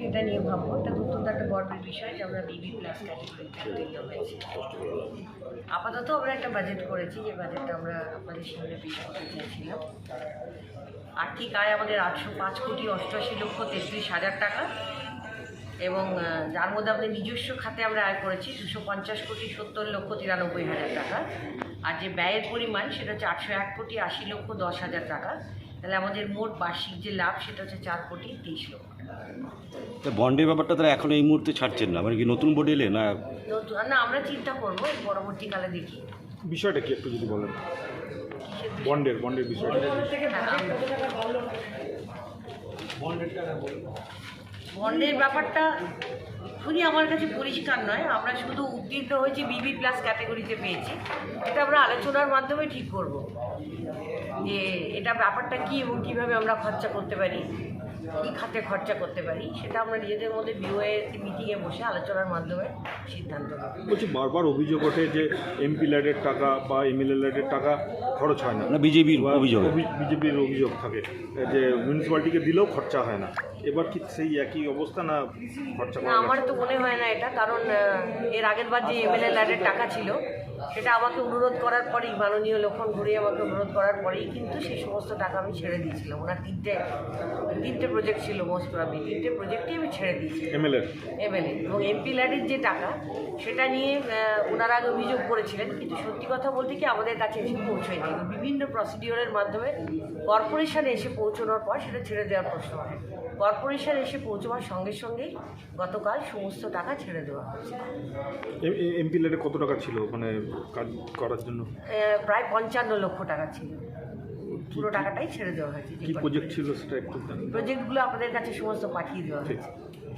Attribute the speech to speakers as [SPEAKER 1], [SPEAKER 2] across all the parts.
[SPEAKER 1] সেটা নিয়ে ভাববো। এটা অত্যন্ত একটা গর্বের বিষয় যে আমরা বিবি প্লাস ক্যাটাগরিতে হয়েছি। আপাতত আমরা একটা বাজেট করেছি, যে বাজেটটা আমরা আপনাদের সামনে পেশ করতে চাইছিলাম। আর্থিক আয় আমাদের 805,88,33,000 টাকা, এবং যার মধ্যে আমাদের নিজস্ব খাতে আমরা আয় করেছি 250,70,93,000 টাকা। আর যে ব্যয়ের পরিমাণ সেটা হচ্ছে 801,80,10,000 টাকা। তাহলে আমাদের মোট বার্ষিক যে লাভ সেটা হচ্ছে 4,23,00,000
[SPEAKER 2] তা বন্ডের ব্যাপারটা তারা এখন এই মুহূর্তে ছাড়ছেন না, মানে কি নতুন বোর্ড এলে না?
[SPEAKER 1] না, আমরা চিন্তা করবো পরবর্তীকালে দেখি।
[SPEAKER 3] বিষয়টা কি একটু যদি বলেন, বন্ডের বিষয়টা।
[SPEAKER 1] বন্ডের ব্যাপারটা শুনি আমার কাছে পরিষ্কার নয়। আমরা শুধু উত্তীর্ণ হয়েছি বিবি প্লাস ক্যাটাগরিতে পেয়েছি। এটা আমরা আলোচনার মাধ্যমে ঠিক করব যে এটা ব্যাপারটা কী এবং কীভাবে আমরা খরচা করতে পারি, কী খাতে খরচা করতে পারি, সেটা আমরা নিজেদের মধ্যে বিওএ মিটিংয়ে বসে আলোচনার মাধ্যমে সিদ্ধান্ত নেব।
[SPEAKER 3] বলছি, বারবার অভিযোগ ওঠে যে এমপি ল্যাডের টাকা বা এমএলএ ল্যাডের টাকা খরচ হয় না,
[SPEAKER 2] বিজেপির অভিযোগ
[SPEAKER 3] থাকে যে মিউনিসিপ্যালিটিকে দিলেও খরচা হয় না। এবার কি সেই একই অবস্থা না খরচা
[SPEAKER 1] না, আমার তো মনে হয় না এটা। কারণ এর আগের বার যে এমএলএ ল্যাডের টাকা ছিল সেটা আমাকে অনুরোধ করার পরেই, মাননীয় লক্ষণ ঘুরিয়ে আমাকে অনুরোধ করার পরেই কিন্তু সেই সমস্ত টাকা আমি ছেড়ে দিয়েছিলাম। ওনার তিনটে প্রজেক্ট ছিল, মোস্ট প্রবাবলি 3টে প্রজেক্টই আমি ছেড়ে দিয়েছি এমএলএ। এবং এমপি ল্যাডের যে টাকা সেটা নিয়ে ওনারা আগে অভিযোগ করেছিলেন, কিন্তু সত্যি কথা বলতে কি আমাদের কাছে এসে পৌঁছয়নি। বিভিন্ন প্রসিডিওরের মাধ্যমে কর্পোরেশনে এসে পৌঁছানোর পর সেটা ছেড়ে দেওয়ার প্রশ্ন হয়। কর্পোরেশন এসে পৌঁছাবার সঙ্গে সঙ্গেই গতকাল সমস্ত টাকা ছেড়ে দেওয়া হয়েছে।
[SPEAKER 3] এমপি ল্যাডে কত টাকা ছিল মানে কাজ করার জন্য?
[SPEAKER 1] প্রায় 55 লক্ষ টাকা ছিল। পুরো টাকাটাই ছেড়ে দেওয়া হয়েছে।
[SPEAKER 3] কি প্রজেক্ট ছিল সেটা একটু জানেন?
[SPEAKER 1] প্রজেক্টগুলো আপনাদের কাছে সমস্ত পাঠিয়ে দেওয়া হয়েছে।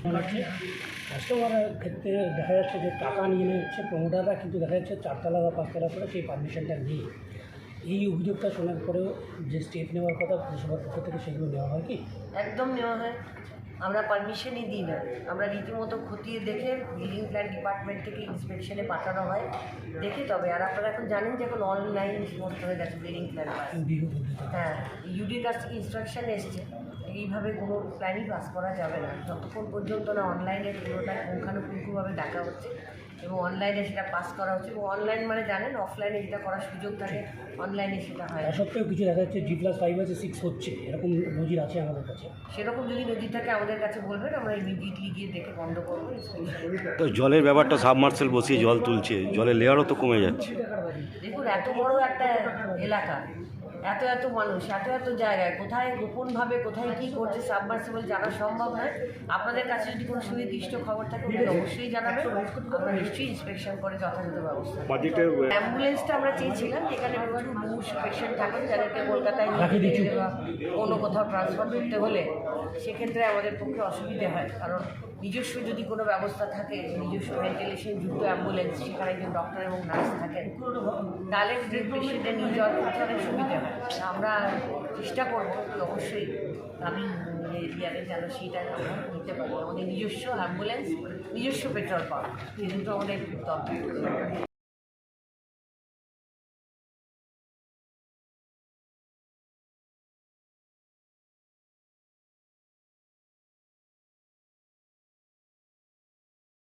[SPEAKER 4] কাস্টমারের ক্ষেত্রে দেখা যাচ্ছে যে টাকা নিয়ে নিচ্ছে প্রমোটাররা, কিন্তু দেখা যাচ্ছে 4তলা বা 5তলা করে সেই পারমিশনটা নেই। এই অভিযোগটা শোনার পরেও যে স্টেপ নেওয়ার কথা পুরসভার পক্ষ থেকে, সেগুলো নেওয়া হয় কি?
[SPEAKER 1] একদম নেওয়া হয়। আমরা পারমিশনই দিই না। আমরা রীতিমতো খতিয়ে দেখে বিল্ডিং প্ল্যান ডিপার্টমেন্ট থেকে ইন্সপেকশনে পাঠানো হয়, দেখে তবে। আর আপনারা এখন জানেন যে এখন অনলাইন সমস্ত হয়ে গেছে বিল্ডিং প্ল্যান। হ্যাঁ, ইউডির কাছ থেকে ইনস্ট্রাকশন এসছে এইভাবে কোনো প্ল্যানই পাস করা যাবে না যতক্ষণ পর্যন্ত না অনলাইনে পুরোটা পুঙ্খানুপুঙ্খভাবে দেখা হচ্ছে এবং অনলাইনে সেটা পাস করা হচ্ছে। এবং অনলাইন মানে জানেন, অফলাইনে যেটা করার সুযোগ থাকে অনলাইনে সেটা হয়।
[SPEAKER 4] তা সত্ত্বেও কিছু দেখা যাচ্ছে G+5 আছে, 6 হচ্ছে, এরকম নজির আছে আমাদের কাছে।
[SPEAKER 1] সেরকম যদি নদী থাকে আমাদের কাছে বলবেন, আমরা ইমিডিয়েটলি গিয়ে দেখে বন্ধ করবো।
[SPEAKER 2] তো জলের ব্যাপারটা, সাবমার্সেল বসিয়ে জল তুলছে, জলের লেয়ারও তো কমে যাচ্ছে।
[SPEAKER 1] দেখুন, এত বড় একটা এলাকা, এত মানুষ, এত জায়গায় কোথায় গোপনভাবে কোথায় কী করছে সাবমার্সিবল জানা সম্ভব নয়। আপনাদের কাছে যদি কোনো সুনির্দিষ্ট খবর থাকে অবশ্যই জানাবেন। আমরা নিশ্চয়ই ইন্সপেকশন করে যথাযথ ব্যবস্থা। অ্যাম্বুলেন্সটা আমরা চেয়েছিলাম, যেখানে প্রচুর মুমূর্ষু পেশেন্ট থাকেন যাদেরকে কলকাতায় নিয়ে যেতে বা অন্য কোথাও ট্রান্সফার করতে হলে সেক্ষেত্রে আমাদের পক্ষে অসুবিধে হয়। কারণ নিজস্ব যদি কোনো ব্যবস্থা থাকে, নিজস্ব ভেন্টিলেশন যুক্ত অ্যাম্বুলেন্স, সেখানে একজন ডক্টর এবং নার্স থাকেন, তাহলে পেশেন্টে নিয়ে যাওয়ার ক্ষেত্রে অনেক সুবিধা হয়। আমরা চেষ্টা করবো অবশ্যই আমি এরিয়াতে যেন সেইটা আমরা নিতে পারি। আমাদের নিজস্ব অ্যাম্বুলেন্স, নিজস্ব পেট্রোল পাম্প, এই দুটো আমাদের দরকার।